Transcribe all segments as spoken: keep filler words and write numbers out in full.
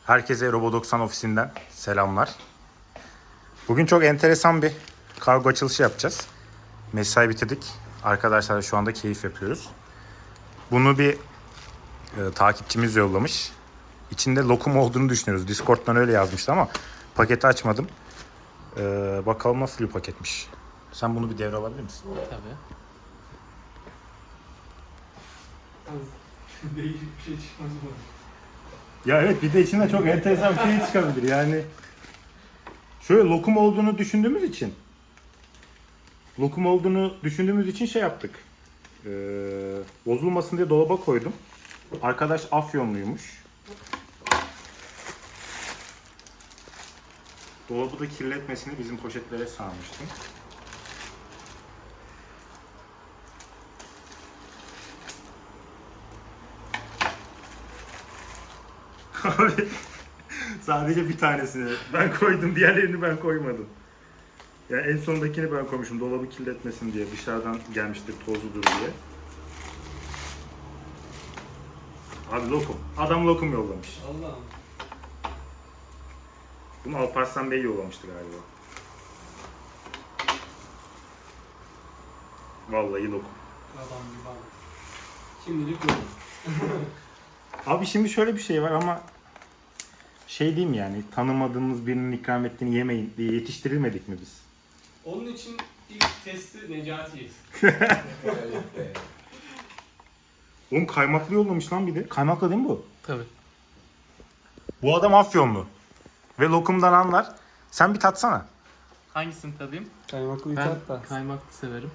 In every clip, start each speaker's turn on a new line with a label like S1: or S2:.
S1: Herkese Robo doksan ofisinden selamlar. Bugün çok enteresan bir kargo açılışı yapacağız. Mesai bitirdik. Arkadaşlarla şu anda keyif yapıyoruz. Bunu bir e, takipçimiz yollamış. İçinde lokum olduğunu düşünüyoruz. Discord'dan öyle yazmıştı ama paketi açmadım. E, bakalım nasıl bir paketmiş. Sen bunu bir devre alabilir misin?
S2: Tabii.
S3: Değişik bir şey çıkmaz mı?
S1: Ya evet, bir de içinde çok enteresan bir şey çıkabilir yani. Şöyle lokum olduğunu düşündüğümüz için lokum olduğunu düşündüğümüz için şey yaptık. Ee, bozulmasın diye dolaba koydum. Arkadaş Afyonluymuş. Dolabı da kirletmesini bizim poşetlere sarmıştım. Abi sadece bir tanesini ben koydum, diğerlerini ben koymadım. Yani en sondakini ben koymuşum, dolabı kirletmesin diye, dışarıdan gelmiştir tozludur diye. Abi lokum. Adam lokum yollamış.
S3: Allah'ım.
S1: Bunu Alparslan Bey yollamıştı galiba. Vallahi lokum.
S3: Adam gibi abi. Şimdilik yok.
S1: Abi şimdi şöyle bir şey var ama şey diyeyim, yani tanımadığımız birinin ikram ettiğini yemeyin diye yetiştirilmedik mi biz?
S3: Onun için ilk testi Necati'yiz.
S1: Oğlum kaymaklı yollamış lan bir de. Kaymaklı değil mi bu?
S2: Tabii.
S1: Bu adam Afyonlu. Ve lokumdan anlar. Sen bir tatsana.
S2: Hangisini tadayım?
S3: Kaymaklı bir
S2: Ben
S3: tat da.
S2: kaymaklı severim.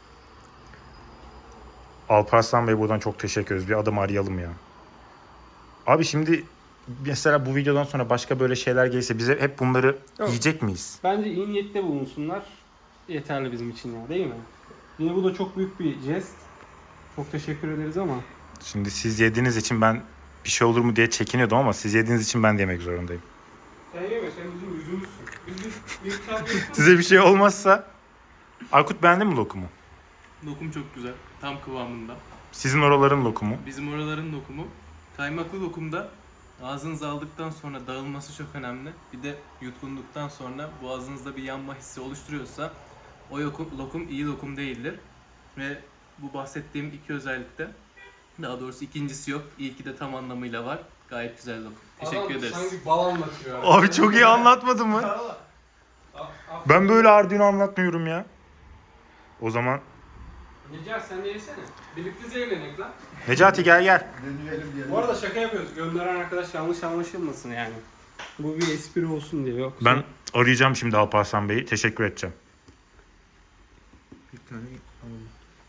S1: Alparslan Bey, buradan çok teşekkür ederiz. Bir adam arayalım ya. Abi şimdi mesela bu videodan sonra başka böyle şeyler gelirse bize hep bunları
S3: Yok.
S1: yiyecek miyiz?
S3: Bence iyi niyette bulunsunlar. Yeterli bizim için ya, değil mi? Yine bu da çok büyük bir jest. Çok teşekkür ederiz ama.
S1: Şimdi siz yediğiniz için ben bir şey olur mu diye çekiniyordum ama siz yediğiniz için ben de yemek zorundayım.
S3: Sen yeme, sen bizim yüzümüzsün. Biz bir, bir tane
S1: Size bir şey olmazsa... Aykut beğendi mi lokumu?
S2: Lokum çok güzel. Tam kıvamında.
S1: Sizin oraların lokumu.
S2: Bizim oraların lokumu. Kaymaklı lokumda ağzınıza aldıktan sonra dağılması çok önemli. Bir de yutkunduktan sonra boğazınızda bir yanma hissi oluşturuyorsa o lokum, lokum iyi lokum değildir. Ve bu bahsettiğim iki özellikte, daha doğrusu ikincisi yok. İlki de tam anlamıyla var. Gayet güzel lokum. Teşekkür
S3: adam
S2: ederiz.
S3: sanki bal anlatıyor.
S1: Abi çok iyi anlatmadın mı?
S3: Valla.
S1: Ben böyle Arduino anlatmıyorum ya. O zaman
S3: Necati sen de yesene. Birlikte zevlenek lan.
S1: Necati gel gel.
S3: Bu arada şaka yapıyoruz. Gönderen arkadaş yanlış anlaşılmasın yani. Bu bir espri olsun diye. Yoksa...
S1: Ben arayacağım şimdi Alparslan Bey'i. Teşekkür edeceğim.
S2: Bir tane alalım.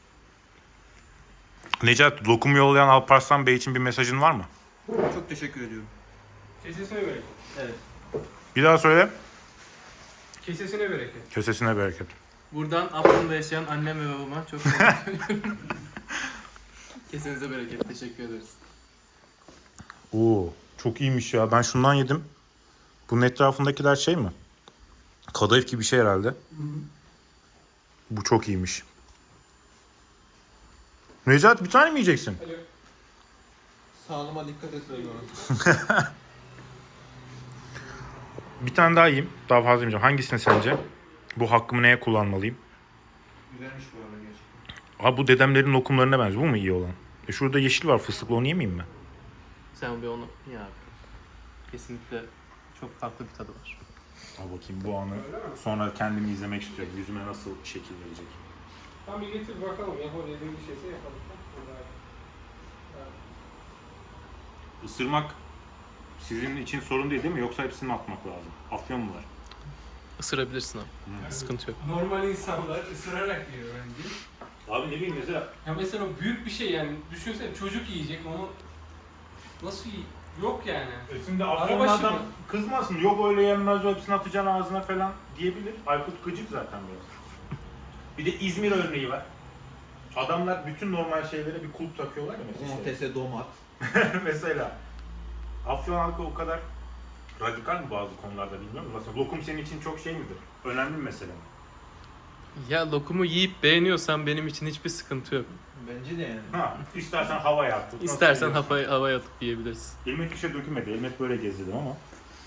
S1: Necati, lokum yollayan Alparslan Bey için bir mesajın var mı?
S2: Çok teşekkür ediyorum.
S3: Kesesine bereket.
S2: Evet.
S1: Bir daha söyle.
S3: Kesesine bereket.
S1: Kösesine bereket.
S2: Buradan Afyon'da yaşayan annem ve babama çok teşekkür ediyorum. Kesinize bereket. Teşekkür ederiz.
S1: Oo, çok iyiymiş ya. Ben şundan yedim. Bunun etrafındakiler şey mi? Kadayıf gibi bir şey herhalde. Bu çok iyiymiş. Necati, bir tane mi yiyeceksin?
S3: Alo.
S4: Sağlığıma dikkat et diyorum.
S1: Bir tane daha yiyeyim. Daha fazla yemeyeceğim. Hangisini sence? Bu hakkımı neye kullanmalıyım?
S4: Güzelmiş bu arada gerçekten.
S1: Abi bu dedemlerin lokumlarına benziyor. Bu mu iyi olan? E şurada yeşil var, fıstıklı, onu yemeyeyim mi?
S2: Sen bir onu ye abi. Kesinlikle çok farklı bir tadı var.
S1: Al bakayım bu anı. Sonra kendimi izlemek istiyorum. Yüzüme nasıl şekil verecek.
S3: Tamam bir getir bakalım. Yapabildiğin bir şeyse yapalım.
S1: Isırmak sizin için sorun değil değil mi? Yoksa hepsini atmak lazım. Afyon mu var?
S2: Isırabilirsin abi. Sıkıntı yok.
S3: Normal insanlar ısırarak yiyor bence.
S1: Abi ne bileyim mesela.
S3: Ya mesela büyük bir şey yani. Düşünsene çocuk yiyecek onu. Nasıl yiy? Yok yani.
S1: E şimdi
S3: Afyonlu adam
S1: kızmasın. Yok öyle yenmez, o hepsini atacaksın ağzına falan diyebilir. Aykut gıcık zaten biraz. Bir de İzmir örneği var. Adamlar bütün normal şeylere bir kulp takıyorlar ya mesela. işte.
S4: Domatese domat.
S1: Mesela Afyon halkı o kadar radikal mi bazı konularda bilmiyorum. Mesela lokum senin için çok şey midir? Önemli bir mesele mi?
S2: Ya lokumu yiyip beğeniyorsan benim için hiçbir sıkıntı yok.
S4: Bence de yani.
S1: Ha, istersen havaya at. Nasıl
S2: İstersen
S1: seviyorsan.
S2: havaya, havaya atıp yiyebilirsin.
S1: İlmek bir şey dökülmedi. İlmek böyle gezdirdim ama.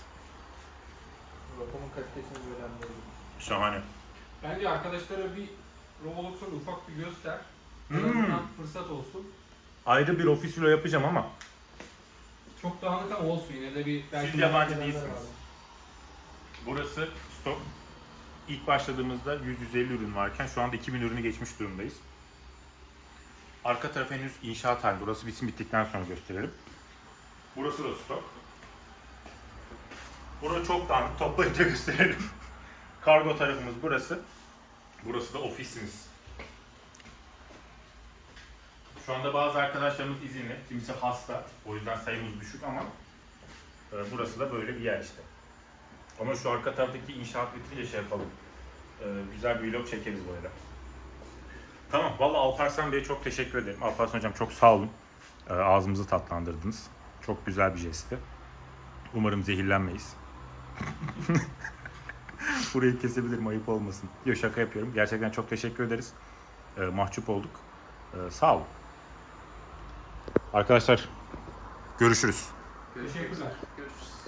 S4: Lokumun kalitesini böyle anlıyorum.
S1: Şahane.
S3: Bence arkadaşlara bir Roblox'un ufak bir göster. En
S1: Hmm.
S3: azından fırsat olsun.
S1: Ayrı bir ofis vlog yapacağım ama.
S3: Çok dağınık ama olsun yine de bir... belki
S1: Siz yabancı
S3: merak edenler
S1: değilsiniz.
S3: vardır.
S1: Burası stok. İlk başladığımızda yüz yüz elli ürün varken şu anda iki bin ürünü geçmiş durumdayız. Arka taraf henüz inşaat halinde. Burası bitsin bittikten sonra gösterelim. Burası da stok. Burası çok dağınık. Toplayınca gösterelim. Kargo tarafımız burası. Burası da ofisimiz. Şu anda bazı arkadaşlarımız izinli. Kimisi hasta. O yüzden sayımız düşük ama e, burası da böyle bir yer işte. Ama şu arka taraftaki inşaat bitince şey yapalım. E, güzel bir vlog çekeriz böyle. Tamam. Vallahi Alparslan Bey'e çok teşekkür ederim. Alparslan Hocam çok sağ olun. E, ağzımızı tatlandırdınız. Çok güzel bir jestti. Umarım zehirlenmeyiz. Burayı kesebilirim, ayıp olmasın. Yok, şaka yapıyorum. Gerçekten çok teşekkür ederiz. E, mahcup olduk. E, sağ olun. Arkadaşlar görüşürüz.
S3: Teşekkürler.
S2: Görüşürüz.